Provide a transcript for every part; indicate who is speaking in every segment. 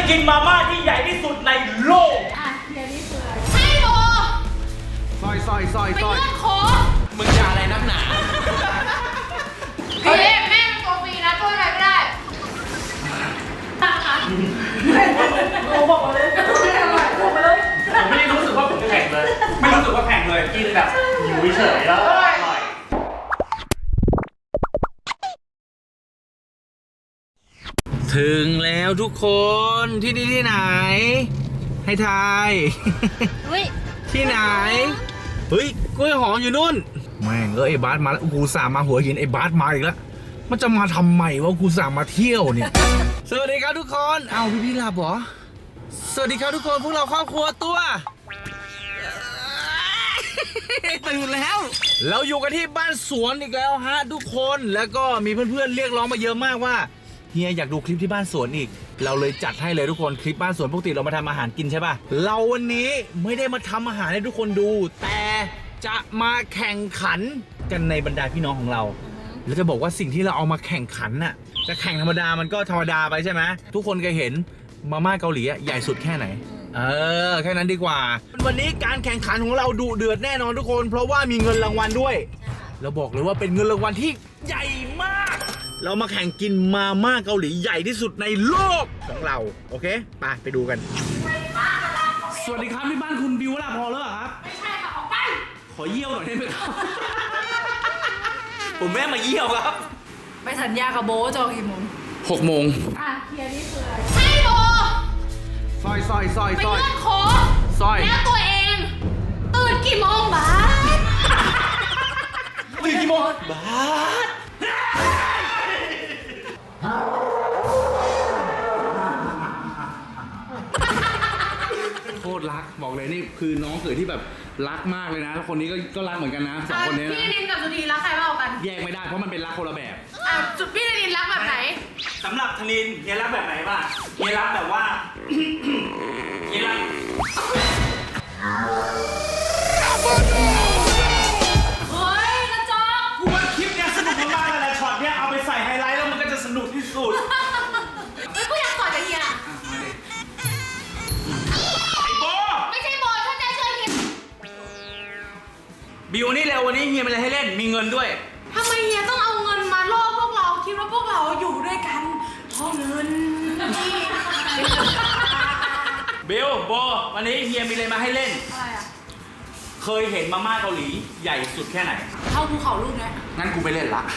Speaker 1: กินมาม่าที่ใหญ่ที่สุดในโลก
Speaker 2: เดี๋ยวนี้คืออะไรให้โบ
Speaker 3: ซอย
Speaker 2: ไปเลื่อนโค้ง
Speaker 1: มึงจะอะไรนักหนา
Speaker 2: พี่แม่เป็นตัวฟรีนะช่วยอะไรไม่ได้ตังค่ะโอ้บอกมาเลยไม่อร่อยบอกมาเลย
Speaker 1: ผมไม่ได้รู้สึกว่าผมแข่งเลยไม่รู้สึกว่าแข่งเลยกินแบบอยู่เฉยแล้วอร่อยถึงแล้วทุกคนที่นี่ที่ไหนให้ทายที่ไหนเฮ้ยกล้วยหอมอยู่นู่นแม่งไอ้บาสมาแล้วกูสามมาหัวหินไอ้บาสมาอีกแล้วมันจะมาทำไมวะกูสามมาเที่ยวเนี่ยสวัสดีครับทุกคนเอาพี่หลับเหรอสวัสดีครับทุกคนพวกเราครอบครัวตัวตื่นแล้วเราอยู่กันที่บ้านสวนอีกแล้วฮะทุกคนแล้วก็มีเพื่อนๆเรียกร้องมาเยอะมากว่าเฮียอยากดูคลิปที่บ้านสวนอีกเราเลยจัดให้เลยทุกคนคลิปบ้านสวนปกติเรามาทำอาหารกินใช่ป่ะเราวันนี้ไม่ได้มาทำอาหารให้ทุกคนดูแต่จะมาแข่งขันกันในบรรดาพี่น้องของเราแล้วจะบอกว่าสิ่งที่เราเอามาแข่งขันน่ะจะแข่งธรรมดามันก็ธรรมดาไปใช่ไหมทุกคนเคยเห็นมาม่าเกาหลีใหญ่สุดแค่ไหนแค่นั้นดีกว่าวันนี้การแข่งขันของเราดุเดือดแน่นอนทุกคนเพราะว่ามีเงินรางวัลด้วยเราบอกเลยว่าเป็นเงินรางวัลที่ใหญ่มากเรามาแข่งกินมาม่าเกาหลีใหญ่ที่สุดในโลกของเราโอเคไปดูกันสวัสดีครับที่บ้านคุณบิวล่ะพอแล้วครับ
Speaker 2: ไม่ใช่ค่ะออกไป
Speaker 1: ขอเยี่ยวหน่อยได้ไหมครับผมแม่มาเยี่ยวครับ
Speaker 2: ไปสัญญากับโบจองกี่โมง
Speaker 1: 6 โมง
Speaker 2: เฮียนี่คืออะไรให้โบ
Speaker 3: ซอย
Speaker 2: ไปเลื่อนโค้งแล้วตัวเองตื่นกี่โมงบาส
Speaker 1: ตื่นกี่โมงบาสโคตรรักบอกเลยนี่คือน้องเขยที่แบบรักมากเลยนะแล้วคนนี้ก็รักเหมือนกันนะสองคนนี้นะ
Speaker 2: พี่นินกับสุธีรักใครมากกว่ากัน
Speaker 1: แยกไม่ได้เพราะมันเป็นรักคนละแบบ
Speaker 2: จุดพี่นินรักแบบไหน
Speaker 1: สำหรับธนินเฮียรักแบบไหนบ้างเฮียรักแบบว่าเฮียรัก
Speaker 2: เฮ้ยกระจอก
Speaker 1: กูว่าคลิปเนี้ยสนุกมากเลยแหละช็อตเนี้ยเอาไปใส่ไฮไลท์แล้วมันก็จะสนุกที่สุด
Speaker 2: เฮ้ยกูอยากต่อยกับเฮีย
Speaker 1: ไอ้โบ
Speaker 2: ไม่ใช่โบถ้าใจเชิญเฮีย
Speaker 1: บิวนี่เร็ววันนี้เฮียมีอะไรให้เล่นมีเงินด้วย
Speaker 2: ทำไมเฮียต้องเอาเงินมาล่อพวกเราคิดว่าพวกเราอยู่ด้วยกันเพราะเงิน
Speaker 1: บิวโบวันนี้เฮียมีอะไรมาให้เล่น
Speaker 2: อะไรอ่ะ
Speaker 1: เคยเห็นมาม่าเกาหลีใหญ่สุดแค่ไหน
Speaker 2: เท่าภูเขาลูกเนี้ย
Speaker 1: งั้นกูไปเล่นละ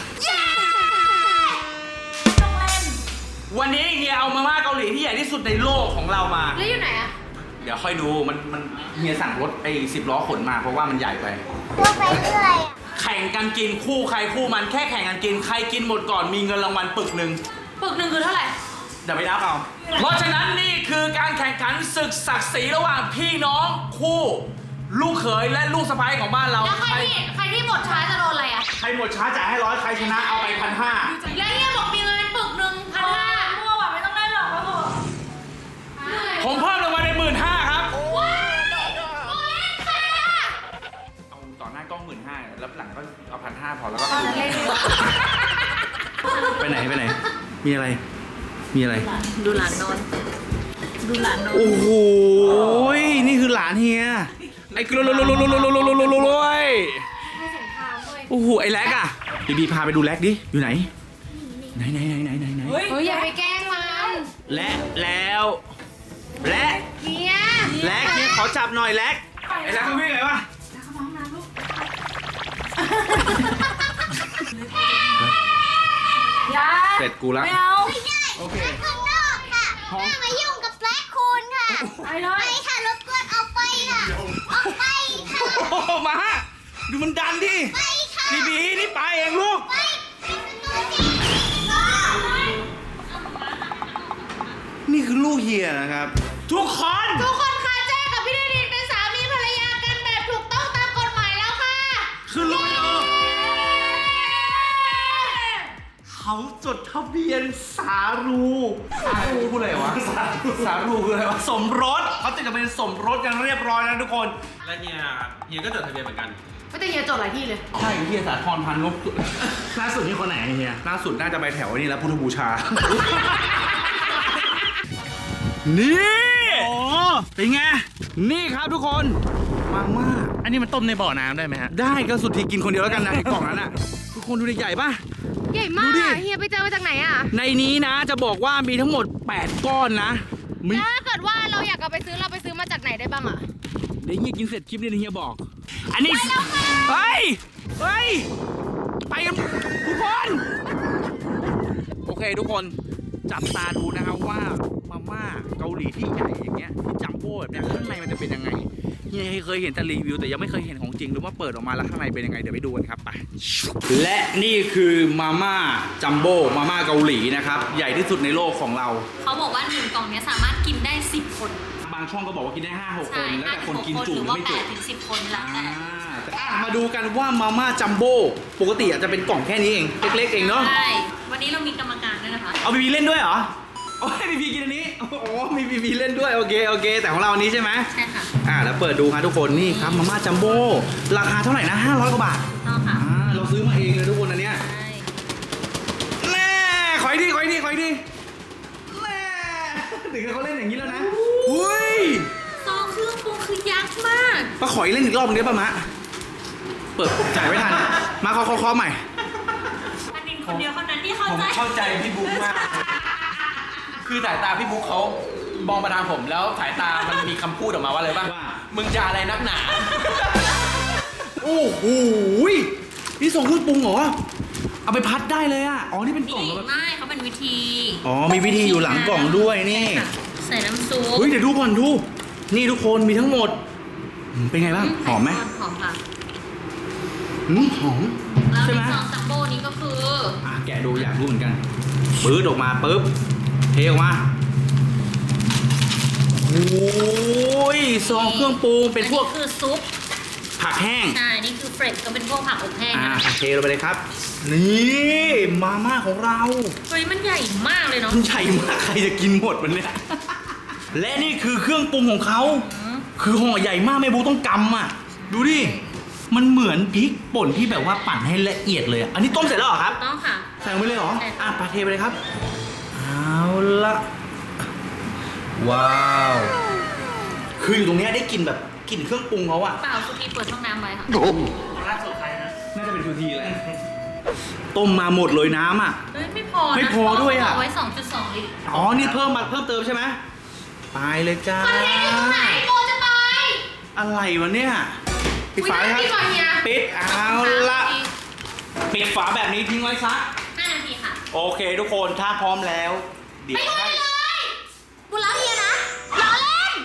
Speaker 2: ต้องเล่น
Speaker 1: วันนี้เฮียเอามาม่าเกาหลีที่ใหญ่ที่สุดในโลกของเรามา
Speaker 2: แล้วอยู่ไหนอ่ะ
Speaker 1: เดี๋ยวค่อยดูมันเฮียสั่งรถ10 ล้อขนมาเพราะว่ามันใหญ่ไป
Speaker 4: ก็ไปเรื่อย
Speaker 1: แข่งกันกินคู่ใครคู่มันแค่แข่งกันกินใครกินหมดก่อนมีเงินรางวัลปึกหนึ่ง
Speaker 2: คือเท่าไหร่
Speaker 1: เดี๋ยวไปนับเอาเพราะฉะนั้นนี่คือการแข่งขันศึกศักดิ์ศรีระหว่างพี่น้องคู่ลูกเขยและลูกสะใภ้ของบ้านเรา
Speaker 2: แล้วใครที่หมดช้าจะโดนอะไรอ่ะ
Speaker 1: ใครหมดช้าจ่ายให้100ใครชนะเอาไป1,500
Speaker 2: แล้วเนี่ยบอกมีเงินปึกหนึ่ง1,500มั่วว่ะไม่ต้องได้หรอกครับ
Speaker 1: ผมเพิ่มรางวัลใน15,000ครับเอาต่อหน้ากล้อง15,000แล้วหลังก็เอา1,500พอแล้วก็ไปไหนมีอะไร
Speaker 2: ดูหลานนอน
Speaker 1: โอ้โหนี่คือหลานเฮียไอ้กลัวโอ้โหไอ้แล็กอะบีพาไปดูแล็กดิอยู่ไหน
Speaker 2: เฮ้ยอย่าไปแกล้งมัน
Speaker 1: แล้ว
Speaker 2: เฮีย
Speaker 1: ขอจับหน่อยแล็กไอ้แล็กมันวิ่งไงวะเสร็จกูละ
Speaker 2: ไม่เอา
Speaker 1: โอเค
Speaker 4: ข้างนอกค่ะไม่มายุ่งกับแบล็คคูนค่ะไปค่ะรบกวนออกไปค่ะออกไปค่ะ
Speaker 1: โอ้มาดูมันดันดิ
Speaker 4: ไปค่ะ
Speaker 1: บีนี่ไปเองลูกนี่คือลูกเฮียนะครับทุกคน
Speaker 2: ค่ะแจ้กับพี่นิรินเป็นสามีภรรยากันแบบถูกต้องตามกฎหมายแล้วค่ะ
Speaker 1: คือลูกเขาจดทะเบียนสารูพูดอะไรวะสารูคืออะไรวะสมรสเขาจะเป็นสมรสกันเรียบร้อยแล้วทุกคน
Speaker 5: และเฮียก็จดทะเบียนเหมือนกัน
Speaker 2: ไม่แต่เฮียจดหลายที่เลย
Speaker 1: ใช่เฮียสาธรพันธุ์นกล่าสุดนี่คนไหนเฮียล่าสุดน่าจะไปแถวนี้แล้วพุทธบูชานี่โอ้เป็นไงนี่ครับทุกคนมาม่า
Speaker 5: อันนี้มันต้มในบ่อน้ำได้ไหมฮะ
Speaker 1: ได้ก็สุดที่กินคนเดียวแล้วกันนะไอ้กล่องนั้นอ่ะทุกคนดูดิใหญ่ป่ะ
Speaker 2: ใหญ่มาก
Speaker 1: ดูดิ
Speaker 2: เฮียไปเจอมาจากไหนอ่ะ
Speaker 1: ในนี้นะจะบอกว่ามีทั้งหมด8ก้อนนะมี
Speaker 2: แล้วถ้าเกิดว่าเราอยากเอาไปซื้อเราไปซื้อมาจากไหนได้บ้างอ่ะ
Speaker 1: เดี๋ยวเฮียกินเสร็จคลิปนี้เดี๋ยวเฮียบอก อันนี้เฮ้ยไปกันทุกคนโอเคทุกคนจับตาดูนะครับว่ามาม่าเกาหลีที่ใหญ่อย่างเงี้ยที่จัมโบ้แบบเนี้ยข้างในมันจะเป็นยังไงเฮียเคยเห็นแต่รีวิวแต่ยังไม่เคยเห็นของจริงหรือว่าเปิดออกมาแล้วข้างในเป็นยังไงเดี๋ยวไปดูกันครับไปและนี่คือมาม่าจัมโบ้มาม่าเกาหลีนะครับใหญ่ที่สุดในโลกของเรา
Speaker 6: เขาบอกว่า1กล่องเนี้ยสามารถกินได้10คน
Speaker 1: บางช่องก็บอกว่ากินได้5-6 ค
Speaker 6: ใช่
Speaker 1: นแล้วแต่คนกิน
Speaker 6: 5-6
Speaker 1: จุ
Speaker 6: หรือ
Speaker 1: หรือ
Speaker 6: ว่า
Speaker 1: ไม่จุ
Speaker 6: 8ถึง10 คนแล้วแต่
Speaker 1: มาดูกันว่ามาม่าจัมโบ้ปกติอาจจะเป็นกล่องแค่นี้เองเล็กๆเองเนาะ
Speaker 6: ใช่ วันนี้เรามีกรรมการด้วยนะคะ
Speaker 1: เอาบีบีเล่นด้วยเหรอโอ้ยบีบีกินอันนี้โอ้มีบีบีเล่นด้วยโอเคแต่ของเราอันนี้ใช่ไหม
Speaker 6: ใช่ค่ะ
Speaker 1: แล้วเปิดดูครับทุกคนนี่ครับมาม่าจัมโบ้ราคาเท่าไหร่นะ500 กว่าบาท
Speaker 6: ต้องค่ะ
Speaker 1: เราซื้อมาเองเลยทุกคนอันเนี้ย
Speaker 6: ใช่
Speaker 1: แน่ขออีกทีแน่ถึงเขาเล่นอย่างนี้แล้วนะอุ้ย
Speaker 6: ซองเครื่องปรุงคือยักษ์มาก
Speaker 1: ป้าขออีกเล่นอีกรอบนึงได้ป่ะมะเปิดจ่ายไม่ทันมาขอใหม่
Speaker 6: อันนี้คนเดียวเท่านั้นที่เข้า
Speaker 5: ผม
Speaker 6: ใจ
Speaker 5: เข้าใจพี่บุ๊กมาก คือสายตาพี่บุ๊กเขามองมาทางผมแล้วสายตามันมีคำพูดออกมาว่าอะไรบ้าง
Speaker 1: ว่า
Speaker 5: มึงจะอะไรนักหนา
Speaker 1: โอ้โหนี่ส่งเครื่องปรุงเหรอเอาไปพัดได้เลยอ่ะอ๋อนี่เป็นกล่อง
Speaker 6: นี่
Speaker 1: แล้ว
Speaker 6: ไม่เขาเป็นวิธี
Speaker 1: อ๋อมีวิธีอยู่หลังกล่องด้วยนี่
Speaker 6: ค่ะใส่น้ำซุป
Speaker 1: เฮ้ยเดี๋ยวดูก่อนดูนี่ทุกคนมีทั้งหมดเป็นไงบ้างหอมไหม
Speaker 6: หอมค่ะ
Speaker 1: หอม
Speaker 6: แล้ว
Speaker 1: ใช่
Speaker 6: ใน
Speaker 1: ไหม
Speaker 6: ซองจัมโบ้นี้ก็คือ
Speaker 1: แกะดูอยากรู้เหมือนกันปื๊ดออกมาปุ๊บเทออกมาโอ้ยซองเครื่องปรุงเป็นพวก
Speaker 6: อัคือซุป
Speaker 1: ผักแห้ง
Speaker 6: ใช่ นี่คือเฟรชก็เป็นพวกผักอบแห้งนะ
Speaker 1: เทลงไปเลยครับ นี่มาม่าของเรา
Speaker 6: เฮ้ยมันใหญ่มากเลยเนาะ
Speaker 1: มันใหญ่มากใครจะกินหมดมันเนี่ย และนี่คือเครื่องปรุงของเขา คือห่อใหญ่มากแม่บูต้องกำอ่ะ ดูดิ มันเหมือนพริกป่นที่แบบว่าปั่นให้ละเอียดเลยอะอันนี้ต้มเสร็จแล้วเหรอครับ
Speaker 6: ต้องค่ะ
Speaker 1: ใส่ลงไปเลยเหรอ
Speaker 6: ใช่ค่ะ
Speaker 1: ปาเทไปเลยครับ เอาละว้าว คืออยู่ตรงเนี้ยได้กลิ่นแบบกลิ่นเครื่องปรุงเขาอะ
Speaker 6: เปล่าสุธีเปิดช่องน้ำไว้ค่ะ
Speaker 5: ล่าสุดใครนะ
Speaker 1: น่าจะเป็นทูทีแหละต้มมาหมดเลยน้ำอะ
Speaker 6: เฮ้ยไม่พอนะ
Speaker 1: ไม่พอด้วยอะ
Speaker 6: เอาไว้ 2.2 ลิตร
Speaker 1: อ๋อ นี่เพิ่มเติมใช่ไหมไปเลยจ้า
Speaker 2: คอนเทนต์อยู่ตรงไหนโบจะไป
Speaker 1: อะไรวะเนี่ยปิดฝาเลยครับ
Speaker 2: อุ๊ยน่ากินว่ะเฮีย
Speaker 1: ปิดเอาละปิดฝาแบบนี้ทิ้งไว้ซะ
Speaker 6: 5 นาทีค่ะ
Speaker 1: โอเคทุกคนถ้าพร้อมแล้ว เดี๋ยวให้
Speaker 4: กูรักเฮียนะล้อเล่น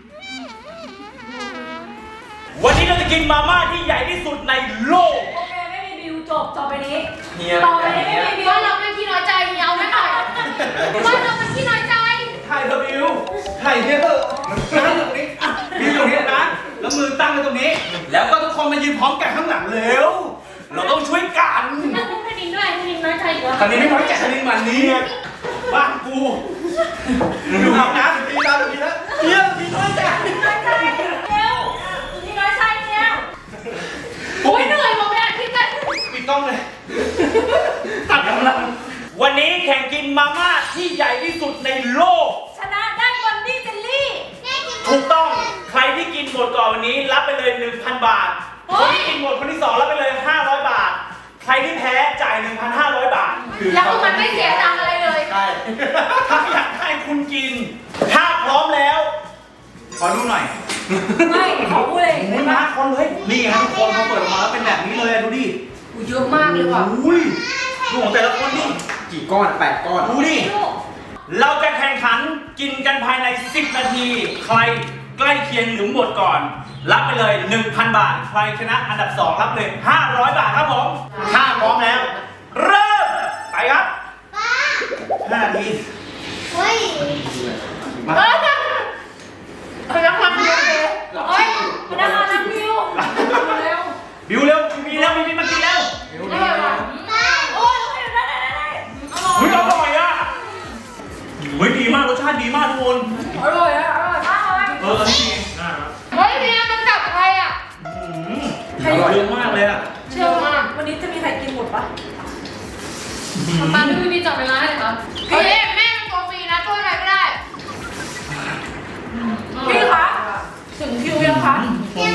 Speaker 1: วันนี้เราจะกินมาม่าที่ใหญ่ที่สุดในโลก
Speaker 7: โอเคไม่มีบิวจบต่อไปนี้
Speaker 5: เฮีย
Speaker 7: ต่อไปนี้ไม่มีบิว
Speaker 2: ว่าเราเป็นขี้น้อยใจเฮียเอาไม่หน่อยว่าเราเป็นขี้น้อยใจ
Speaker 1: ถ่ายเธอะบิวถ่ายเนี่ยเถอะนั่งตรงนี้อ่ะบิวตรงนี้นะ แล้วมือตั้งไว้ตรงนี้ แล้วก็ทุกคนมายืนพร้อมกันข้างหลังเร็ว เราต้องช่วยกัน
Speaker 6: นั่งพวกคณินด้วยคณินน้อยใจอีกแล้ว
Speaker 1: ตอนนี้ไม่น้อยแกะคณินมันนี้บ้านกูดูเอานะพี่ดาวดูพี่แล้วเฮียพี่น้อยแกะ
Speaker 7: เร็วนี่น้อยใจเนี่ย
Speaker 2: โอ้ยเหนื่อยหมดเลยอะคิดกัน
Speaker 1: ปิดกล้องเลย ตัดกำลัง วันนี้แข่งกินมาม่าที่ใหญ่ที่สุดในโลก
Speaker 7: ชนะได้วันดี้เจลลี่
Speaker 1: ถูกต้อง ใครที่กินหมดก่อนวันนี้รับไปเลย 1,000 บาท คนที่กินหมดคนที่ 2 รับไปเลย 500 บาท ใครที่แพ้จ่าย 1,500 บาท
Speaker 2: แล้วคือมันไม่เสียตังค์อะไรเลย
Speaker 1: ใช่ ถ้าอยากให้คุณกิน ถ้าพร้อมแล้ว ขอดูหน่อย
Speaker 7: ไม่ขอพูดเลย
Speaker 1: โอ้ยมาคนเลย นี่ครับทุกคนเขาเปิดออกมาแล้วเป็นแบบนี้เลยอะดูดิ
Speaker 2: กูเยอะมากเลยว่ะ
Speaker 1: อุ้ยดูของแต่ละคนดิ
Speaker 5: กี่ก้อน 8 ก้อน
Speaker 1: ดูดิ เราจะแข่งขันกินกันภายใน 10 นาที ใครใกล้เคียงหรือหมดก่อน รับไปเลย 1,000 บาท ใครชนะอันดับ 2 รับเลย 500 บาทครับผม ถ้าพร้อมแล้ว เริ่ม ไปครับ 5 นาที
Speaker 4: เฮ้ย
Speaker 1: มา
Speaker 2: เขายังทำอยู่เลย
Speaker 7: เฮ้ยมันได้มาแล้วบิวเร็ว
Speaker 1: บิวเร็วมีแล้วมีมากินแล้ว
Speaker 2: อร่อยว่ะ
Speaker 7: โอ้ยได้อร่อย
Speaker 1: เฮ้ยอร่อยอ่ะเฮ้ยดีมากรสชาติดีมากทุกคน
Speaker 7: อร่อยอร่อยมากเลย
Speaker 1: อันนี้ดี
Speaker 2: เฮ้ยเฮียมันกลับใครอ่ะ
Speaker 1: อร่อยเยอะมากเลยอ่ะ
Speaker 7: เชื่อมากวันนี้จะมีใครกินหมดปะ
Speaker 2: ปาพี่มีจับเวลาให้เหรอเฮ้ยแม่มันตัวฟรีนะช่วยอะไรไม่ได้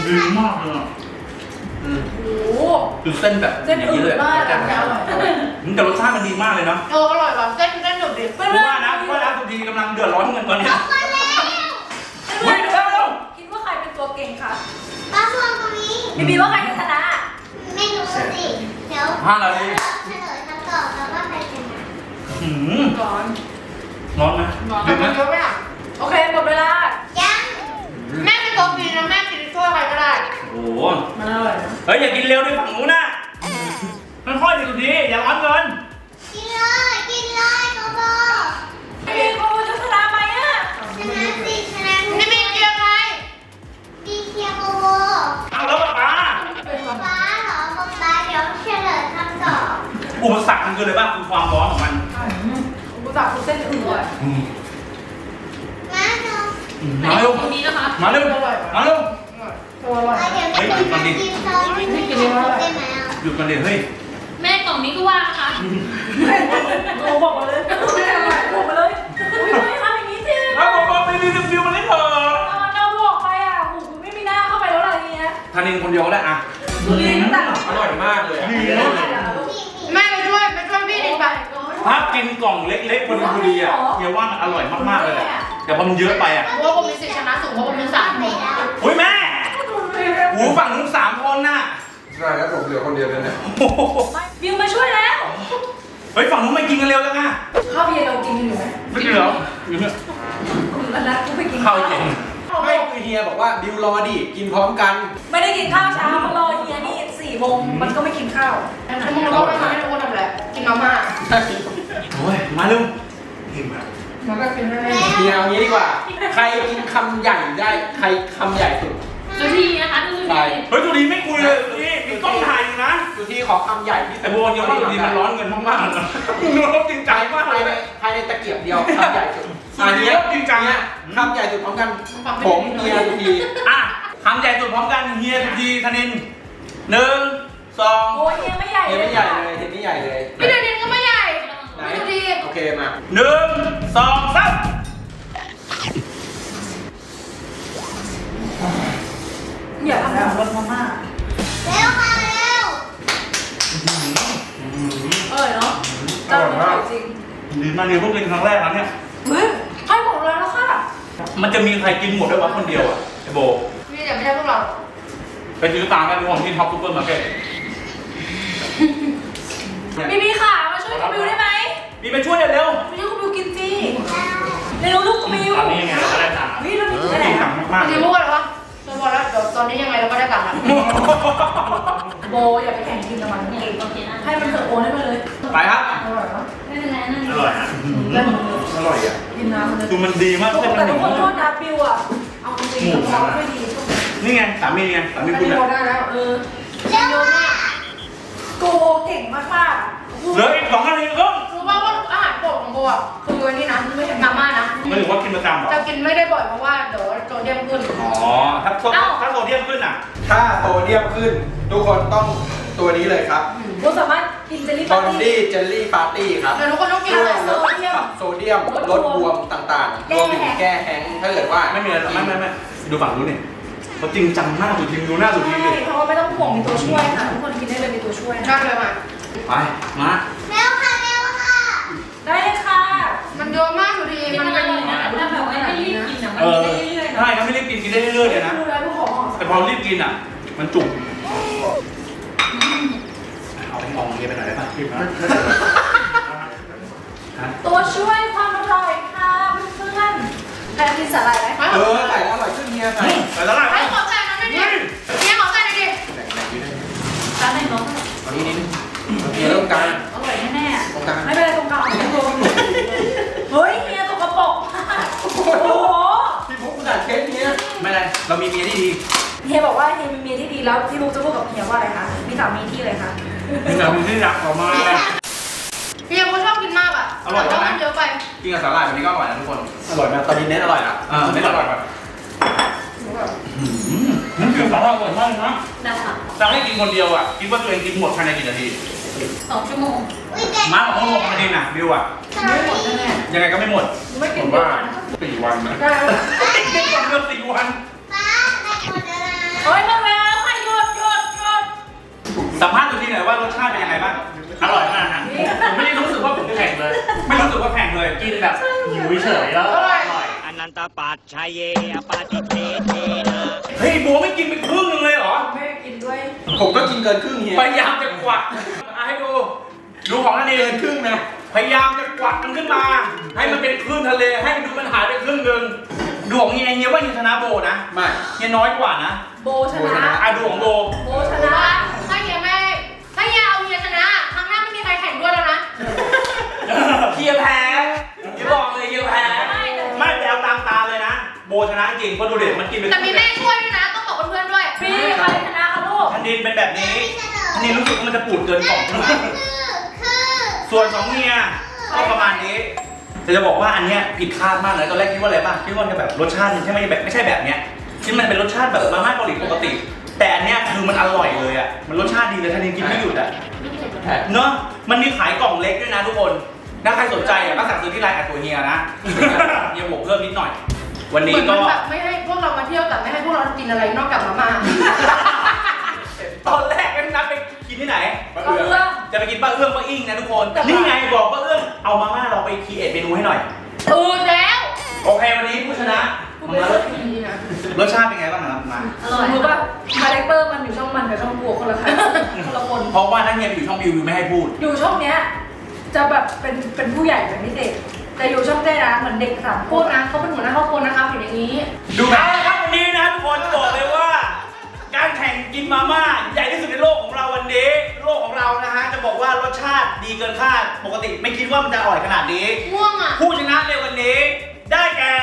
Speaker 1: ดีมากเลยอ่ะ
Speaker 7: โอ้โห
Speaker 5: คือเส้นแบบ
Speaker 7: เส้น
Speaker 5: อย่าง
Speaker 7: อื่
Speaker 5: นี้
Speaker 7: น
Speaker 5: เลย
Speaker 7: มาก
Speaker 5: แต่
Speaker 7: แต่อร่อย
Speaker 1: แต่รสชาติมันดีมากเลยเนาะ
Speaker 2: อร่อยว่ะเส้นหนุบดิ
Speaker 7: เพื่อน
Speaker 1: กูว่านะสุธีกำลังเดือดร้อนเงินตอนเนี้ย
Speaker 4: มาแล้ว
Speaker 1: เฮ้ยเร็ว
Speaker 7: คิดว่าใครเป็นตัวเก่งคะ
Speaker 4: ปลาพวงตรงนี้
Speaker 7: บีว่าใครจะชนะ
Speaker 4: ไม่รู้สิเดี๋ยว
Speaker 1: 5 นาที
Speaker 4: เฉลยคำตอบแล้วว่าใครชนะ
Speaker 1: หืม
Speaker 7: ก่อน
Speaker 1: ร้อนไหม
Speaker 2: แต่
Speaker 1: เดือดไหม
Speaker 2: มันเยอะไหมอ่ะ
Speaker 7: โอเคหมดเวลา
Speaker 4: ยัง
Speaker 2: แม่เป็นตัวกินนะแม่กินช่วยใครก็ได้
Speaker 1: โอ้โห
Speaker 7: มันอร่อยนะ
Speaker 1: เฮ้ยอย่ากินเร็วด้วยฝั่งนู้นนะค่อยๆดิสุธีอย่าร้อนเกิน
Speaker 4: กินเลยกินเลยโกโบ
Speaker 7: บีโกจะชนะไหมอ่ะ
Speaker 4: ชนะสิชนะ
Speaker 2: นี่มีเกียร์ใคร
Speaker 4: ดีเคียโกโบ
Speaker 1: เอาแล้วป๊าป๊า
Speaker 4: ป๊าเหรอป๊าเดี๋ยวเฉลยคำตอบ
Speaker 1: อุปสรรคมันคืออะไรบ้างคือความร้อนของมัน
Speaker 7: กูตักกูเส้นอื่นอ่ะ
Speaker 4: มาเนาะ
Speaker 1: มาเร็ว
Speaker 6: ตรงนี้นะคะ
Speaker 1: มาเร็วมาเร็ว
Speaker 7: ตัวอร่อย
Speaker 4: เดี๋ยวจะต้องกินซอสไม่กินได้ไหมอ่ะ
Speaker 1: หยุดกันเดี๋ยวเฮ้ย
Speaker 6: แม่กล่องนี้ก็ว่างนะคะ
Speaker 7: โอ้บอกมาเลยไม่อร่อยบอกมาเลยไม่ทำอย่างนี้สิ
Speaker 1: แล้วบอกไปรีวิวมันเลยเถอะ
Speaker 7: เราบอกไปอ่ะหูคุณไม่มีหน้าเข้าไปแล้วอะไรเงี้ย
Speaker 1: ทานินคนเดียวก็ได้อะ
Speaker 7: ดูดีน้ำตาล
Speaker 5: อร่อยมากเลยอะ
Speaker 1: ดีนะ
Speaker 2: แม่ไปช่วยพี่ดิไป
Speaker 1: ถ้ากินกล่องเล็กๆพอดีอ่ะเฮียว่ามันอร่อยมากๆเลยแหละแต่พอมันเยอะไปอ่ะ
Speaker 2: เพราะว่าผมมีสิทธิชนะสูงเพราะผมมี3 คน
Speaker 1: อุ้ยแม่หูฝั่งนู้น3 คนน่ะ
Speaker 3: ใช่แล้วผมเหลือคนเดียวเลยเนี่ย
Speaker 1: โอ้โห
Speaker 7: บิวมาช่วยแล้ว
Speaker 1: เฮ้ยฝั่งนู้นไม่กินกันเร็วจังอ่ะ
Speaker 7: ข้าวเย็นเรากินอยู่ไหม
Speaker 1: ไม่กินเหรออยู่เนี่ย
Speaker 7: แล้วกูไปกิน
Speaker 1: ข้าวเย็น
Speaker 5: ไม่คือเฮียบอกว่าบิวรอดิกินพร้อมกัน
Speaker 7: ไม่ได้กินข้าวเช้ามารอเฮียนี่4 โมงมันก็ไม่กินข้าว
Speaker 2: ชั่วโมงแล้วก็ไม่ได้คนทำอะไรกินมาม่า
Speaker 1: โอ้ยมาเร็ว
Speaker 2: มันก็กินไม่ได้
Speaker 5: เฮียเอางี้ดีกว่า ใครกินคำใหญ่ได้ใครคำใหญ่สุด
Speaker 6: สุธีนะคะดูสุธี
Speaker 1: เฮ้ยตัวนี้ไม่คุยเลยตัวนี้มีกล้องถ่ายอยู่นะ
Speaker 5: อยู่ที่ขอคำใหญ่ที่สุ
Speaker 1: แต่
Speaker 5: ด
Speaker 1: โบนยังไม่ตัวนี้มันร้อนเงินมากๆเลยนะร้อนจริงใจมาก
Speaker 5: ภาย
Speaker 1: เล
Speaker 5: ใน
Speaker 1: ย
Speaker 5: ภายในตะเกียบเดียวคำใหญ่สุด
Speaker 1: อันนี้จริงจัง
Speaker 5: เนี่
Speaker 1: อ่ะ
Speaker 5: ยคำใหญ่สุดพร้อมกันผมเฮียทุกที
Speaker 1: อ่ะคำใหญ่สุดพร้อมกันเฮียทุกทีธนิน1 2
Speaker 7: โอ้ยเฮียไม่ใหญ่
Speaker 5: เฮีย
Speaker 7: เลย
Speaker 5: ไม่ใหญ่เลยเฮียไม่ใหญ่เลย
Speaker 2: พี่เดนินก็ไม่ใหญ่
Speaker 5: ไหน
Speaker 2: สุธี
Speaker 5: โอเคมา
Speaker 1: 1 2 3
Speaker 7: อย่าทำแบบรสมาม่า
Speaker 4: เร็วค่ะเร็ว
Speaker 7: เนาะเจ้าอร่อยจริง
Speaker 1: ดีมากเลยพวกกินครั้งแรกนะเนี่ย
Speaker 7: เฮ้ยให้หมดเลยแล้วค่ะ
Speaker 1: มันจะมีใครกินหมดได้วะคนเดียวอ่ะไอโบ
Speaker 2: พี่อย่าไม่ใช่พวกเรา
Speaker 1: ไปซื้อตามกันของที่ท็อปซูเปอร์มาร์เก็ต
Speaker 7: บีขามาช่วยคุณบิวได้ไหม
Speaker 1: มีไปช่วยเร็ว
Speaker 7: มาช่วยคุณบิวกินจีเร็วลูกคุณบิว
Speaker 1: ตอนนี้ยังไงเราก็ได้ตังค์
Speaker 7: เฮ้ยเรามีที่ไหน
Speaker 1: จริงจั
Speaker 7: อะ
Speaker 1: งมาก
Speaker 2: สุธีพูดอะไรวะเราบอกแล้วเดี๋ยวตอนนี้ยังไงเราก็ได้ตังค์แล้ว
Speaker 1: ๆ
Speaker 7: โบอย่าไปแข่งกินกับมัน
Speaker 6: เนี่ยโอเคนะ
Speaker 7: ให้มันเถอะโอนให้มันเลย
Speaker 1: ไปครับ
Speaker 7: อร่อยปะ
Speaker 6: ไม่เป็นไรนั่น
Speaker 1: อร่อยนะ
Speaker 7: ได้หมดเลย
Speaker 5: อร่อยอ่ะ
Speaker 7: กินน้ำมันเลย
Speaker 1: คือมันดีมากเลย
Speaker 7: แต่ทุกคนโทษนะบิวอะเอาจริงๆเขาไม่ดี
Speaker 1: นี่ไงสามีไงสามี
Speaker 7: ไม่
Speaker 1: คุณ
Speaker 7: ได้
Speaker 1: อ่ะ
Speaker 7: ได้แล้ว
Speaker 4: เ
Speaker 7: เออ
Speaker 4: ร็วค่ะ
Speaker 7: โกโบเก่งมากๆ
Speaker 1: เหลืออีก2 นาทีครึ่ง
Speaker 2: รู้ป่าวว่าอาหารโปรดของโบอ่ะคืออันนี้นะไม่ใช่มาม่านะ
Speaker 1: ไม่ถือว่ากินประจำหรอ
Speaker 2: จะกินไม่ได้บ่อยเพราะว่าเดี๋ยวโซเดียมขึ้น
Speaker 1: อ๋อถ้าโซเดียมขึ้นอ่ะ
Speaker 5: ถ้าโซเดียมขึ้น ทุกคนต้องตัวนี้เลยครับ
Speaker 7: เราสามารถกินเจลลี่
Speaker 5: บ
Speaker 7: ปา
Speaker 5: อน
Speaker 7: ร์ตี้
Speaker 5: ดี้เจลลี่ปาร์ตี้ครับ
Speaker 2: เดี๋ยวทุกคนต้องกิน
Speaker 5: ช่
Speaker 2: อะไร
Speaker 5: วยลดโซเดียมลดบวมต่างๆรวมถึงแก้แห้งก์ถ้าเกิดว่า
Speaker 1: ไม่มีอะไรไม่ดูฝั่งนู้นนี่เขาจริงจังมากสุดทีมดูหน้าสุดทีม
Speaker 7: ใช่
Speaker 1: ดิ
Speaker 7: เพราะว่าไม่ต้องห่วงมีตัวช่วยค่ะทุกคนกินได้เลยมีตัวช่วยนะ
Speaker 2: ได้เลยมา
Speaker 1: ไปมา
Speaker 4: เร็วค่ะเร็วค่ะ
Speaker 7: ได้เลยค่ะ
Speaker 2: มันเยอะมากอยู่ดี
Speaker 6: มัน
Speaker 2: มัน
Speaker 6: อ
Speaker 2: เป็น
Speaker 6: ร่อยนะถ้าแบบว่าไม่รีบกินอ่ะมัน
Speaker 1: เออ
Speaker 6: กินได้เรื่อยๆนะ
Speaker 1: ใช่ถ้าไม่รีบกินได้เรื่อยๆเลยนะ
Speaker 7: ดูแล้วทุกของ
Speaker 1: แต่พอรีบกินอ่ะ มันจุกเอาไปมองเงี้ยไปหน่อยได้ป่ะรีบนะ
Speaker 7: ตัวช่วยความอร่อยค่ะเพื่อนๆใครกินสาหร่ายไหม
Speaker 5: เออใส่แล้วอร่อยขึ้นเฮียใส่
Speaker 1: ไปตลาด
Speaker 2: ไอ้ขอใส่น้ำด้วยดิเนี่ยขอใส่หน่อยดิ
Speaker 6: ร้านไหนน้อง
Speaker 5: ตอนนี้นิดนึงเฮียเริ่มกลาง
Speaker 6: อร่อยแน่
Speaker 5: ตรงกลาง
Speaker 7: ไม่เป็นไรตรงกลางเอาตรงเฮ้ยเฮียตกกระป๋องโอ้โห
Speaker 5: พี่พุกขนาดเค้กเนี้ย
Speaker 1: ไม่เป็นไรเรามีเมียที่ดี
Speaker 7: เฮียบอกว่าเฮียมีเมียที่ดีแล้วพี่ลูกจะพูดกับเฮียว่าอะไรคะมีสามีที่อะไรคะ
Speaker 1: มีสามีที่รักออกมา
Speaker 2: พี่ยังชอบกินมากอ่ะแต่ว่ามันเยอะไป
Speaker 5: กินกับสาหร่ายแบบนี้ก็อร่อยนะทุกคน อร่อยนะตอนนี้เน้นอร่อยนะ
Speaker 1: ไม่อร่อยแบบมันคือสาหร่ายอร่อยมากนะ
Speaker 6: ๆนะคะ
Speaker 1: จะให้กินคนเดียวอ่ะคิดว่าตัวเองกินหมดภายในกี่นาที
Speaker 6: 2 ชั่วโมง
Speaker 4: อุ้ยแกะ
Speaker 1: มาของเขา6 นาทีน่ะบิวอ่ะ
Speaker 7: ไม่หมดแน่
Speaker 1: ยังไงก็ไม่หมด
Speaker 7: ๆไม่กิ
Speaker 1: ผ
Speaker 7: น
Speaker 1: ม
Speaker 7: เยอะ
Speaker 1: ว่า
Speaker 7: นะ
Speaker 1: 4 วันนะ
Speaker 7: ได้แล้ว
Speaker 1: ไม่หมดเรื่อง4 วัน
Speaker 4: ป้าได้หมดแล้วนะ
Speaker 6: โอ้ยมาแล้วให้หยุด
Speaker 5: สัมภาษณ์ตัวทีหน่อยว่ารสชาติเป็นยังไงบ้าง อร่อยมากนะผมไม่ได้รู้สึกว่าผมแข็งเลย ไม่รู้สึกว่าแข็งเลย กินแบบหิวเฉยแล้วอร่อย
Speaker 8: อนันตปัจชัยเยอปาติเทเทนะ
Speaker 5: เฮ้ยบัวไม่กินไปครึ่งนึงเลยเหรอ
Speaker 7: แม่กินด้วย
Speaker 3: ผมก็กินเกินครึ่งเฮีย
Speaker 5: พยายามจะกวักให้ดู ดูของนั่นเอง
Speaker 3: เกินครึ่งนะ
Speaker 5: พยายามจะกวักมันขึ้นมา ให้มันเป็นคลื่นทะเล ให้มันดูมันหายไปครึ่งนึงดูของเฮียว่าเฮียชนะโบนะ
Speaker 3: ไม่
Speaker 5: เฮียน้อยกว่านะ
Speaker 7: โบชนะ
Speaker 5: ดูของโบ
Speaker 7: โบชนะ
Speaker 2: ถ้าเฮียเอาเฮียชนะครั้งหน้าไม่มีใครแข่งด้วยแล้วนะ
Speaker 5: เฮียแพ้เฮียบอกเลยเฮียแพ้ไม่แต่เอาตามตาเลยนะ โบชนะจริงเพราะดูเด็มันกินเป็น
Speaker 2: แต่มีแม่ช่วยด้วยนะ ต้องบอกเพื่อนๆด้วย
Speaker 7: พี่ใครชนะคะลูก
Speaker 5: ทันดินเป็นแบบนี้ทันดินรู้สึกว่ามันจะปูดเกินกล่อง
Speaker 4: คือ
Speaker 5: ส่วนของเฮียก็ประมาณนี้แต่จะบอกว่าอันเนี้ยผิดคาดมากเลยตอนแรกคิดว่าอะไรป่ะคิดว่าจะแบบรสชาติมันใช่ไหมแบบไม่ใช่แบบเนี้ยที่มันเป็นรสชาติแบบมาม่าเกาหลีปกติ แต่อันเนี้ยคือมันอร่อยเลยอ่ะมันรสชาติดีเลยทันดินกินไม่หยุดอ่ะเนาะมันมีขายกล่องเล็กด้วยนะทุกคนถ้าใครสนใจอ่ะก็สั่งซื้อที่ไลน์ตัวเฮียนะเฮียบวกเพิ่มนิดหน่อย วัน
Speaker 2: เห
Speaker 5: นี้
Speaker 2: มือน
Speaker 5: ก็
Speaker 2: มันแบบไม่ให้พวกเรามาเที่ยวแต่ไม่ให้พวกเรากินอะไรนอกจากมาม่า
Speaker 5: ตอนแรกก็นัดไปกินที่ไหน
Speaker 7: ก็เอื้อม
Speaker 5: จะไปกินป้าเอื้องป้าอิ่งนะทุกคน นี่ไงบอกป้าเอื้องเอามาม่าเราไปครีเอทเมนูให้หน่อย
Speaker 2: แล้ว
Speaker 5: โอเควันนี้ผู้ชนะมารสชาติเป็นไงบ้างครับมา
Speaker 6: อร่อย
Speaker 7: รู้ป่ะคาแรคเตอร์มันอยู่ช่องมันกับช่องกูคนละคันคนละคน
Speaker 5: เพราะว่านั่นเฮียไปอยู่ช่องวิวไม่ให้พูด
Speaker 7: อยู่ช่องเนี้ยจะแบบเป็นผู้ใหญ่เป็นพิเศษแต่อยู่ช่องเต้นะเหมือนเด็กสามค
Speaker 2: พูด
Speaker 7: น
Speaker 2: นะเขาเป็นหัวหน้าครอบครัวนะครับอย่างนี้
Speaker 5: ดูเอาละครับวันนี้นะทุกคนบอกเลยว่า การแข่งกินมาม่าใหญ่ที่สุดในโลกของเราวันนี้โลกของเรานะฮะจะบอกว่ารสชาติดีเกินคาดปกติไม่คิดว่ามันจะอร่อยขนาดนี้
Speaker 2: ง่วงอ่ะ
Speaker 5: ผู้ชนะในวันนี้ได้แก่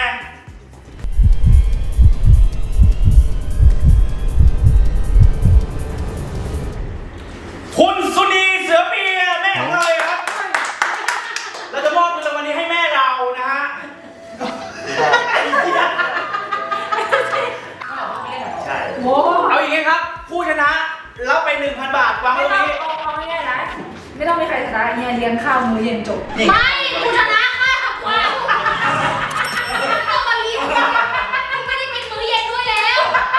Speaker 5: คุณสุนีเสือเปียแม่ของเราเลยครับ เราจะมอบเงินรางวัลนี้ให้แม่เรานะฮะ ใช่
Speaker 7: โว้
Speaker 5: เอาอย่างงี้ครับ ผู้ชนะรับไป 1,000 บาทวางไว้
Speaker 7: ไม่
Speaker 5: ตรง
Speaker 7: ต้อง
Speaker 5: นี้
Speaker 7: เอาง่ายๆนะไม่ต้องมีใครชนะเนี่ยเลี้ยงข้าวมื้อเย็นจบ
Speaker 2: ไม่คุณชนะค่ะว้าวต้องมาเลี้ยงไม่ได้เป็นมื้อเย็นด้วยแล้ว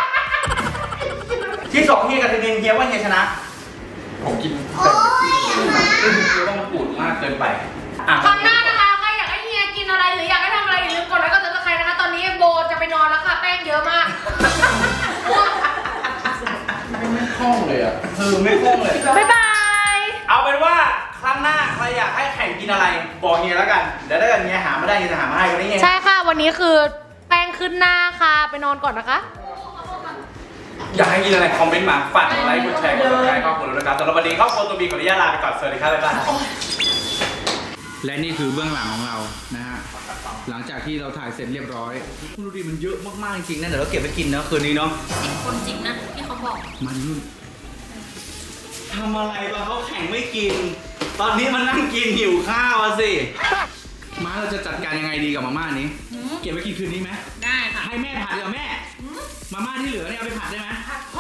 Speaker 5: ที่สองเฮียกับเทนเฮียว่าเฮียชนะ
Speaker 3: ผมกิน
Speaker 4: โอ้ยมา
Speaker 5: เฮียว่ามันปูดมากเกินไปอ่ะ
Speaker 2: ครั้งหน้านะคะใครอยากให้เฮียกินอะไรหรืออยากให้ทำอะไรอย่าลืมกดไลค์กดซับสไครต์นะคะ ตอนนี้โบจะไปนอนแล้วค่ะ แป้งเยอะมากง่วง
Speaker 3: ไม่คล่องเลยอ่ะ
Speaker 5: คือไม่คล่องเลย
Speaker 2: บ๊ายบาย
Speaker 5: เอาเป็นว่าครั้งหน้าใครอยากให้แข่งกินอะไรบอกเฮียแล้วกันเดี๋ยวถ้าเกิดเฮียหามาได้เฮียจะหามาให้วันนี้เฮีย
Speaker 2: ใช่ค่ะ วันนี้คือแป้งขึ้นหน้าค่ะ ไปนอนก่อนนะคะ
Speaker 5: อยากให้กินอะไรคอมเมนต์มาฝากกดไลค์กดแชร์กดติดตามครอบครัวเราด้วยนะครับสำหรับวันนี้ครอบครัวตัวบีขออนุญาตลาไปก่อนสวัสดีครับบ๊ายบาย
Speaker 1: และนี่คือเบื้องหลังของเรานะฮะหลังจากที่เราถ่ายเสร็จเรียบร้อยคุณดูดิมันเยอะมากๆจริงๆนะเดี๋ยวเราเก็บไปกินนะคืนนี้เนาะ
Speaker 6: 10 คนจริงนะที่เขาบอก
Speaker 1: มันนุ่นทำอะไรวะเขาแข่งไม่กิน ตอนนี้มันนั่งกินหิวข้าวอะสิมาเราจะจัดการยังไงดีกับมาม่านี้ เก็บไว้กินคืนนี้ไหม
Speaker 6: ได้ค่ะ
Speaker 1: ให้แม่ผัดเดี๋ยวาแม่ มาม่าที่เหลือเนี่ยเอาไปผัดได้ไหม
Speaker 7: ผัด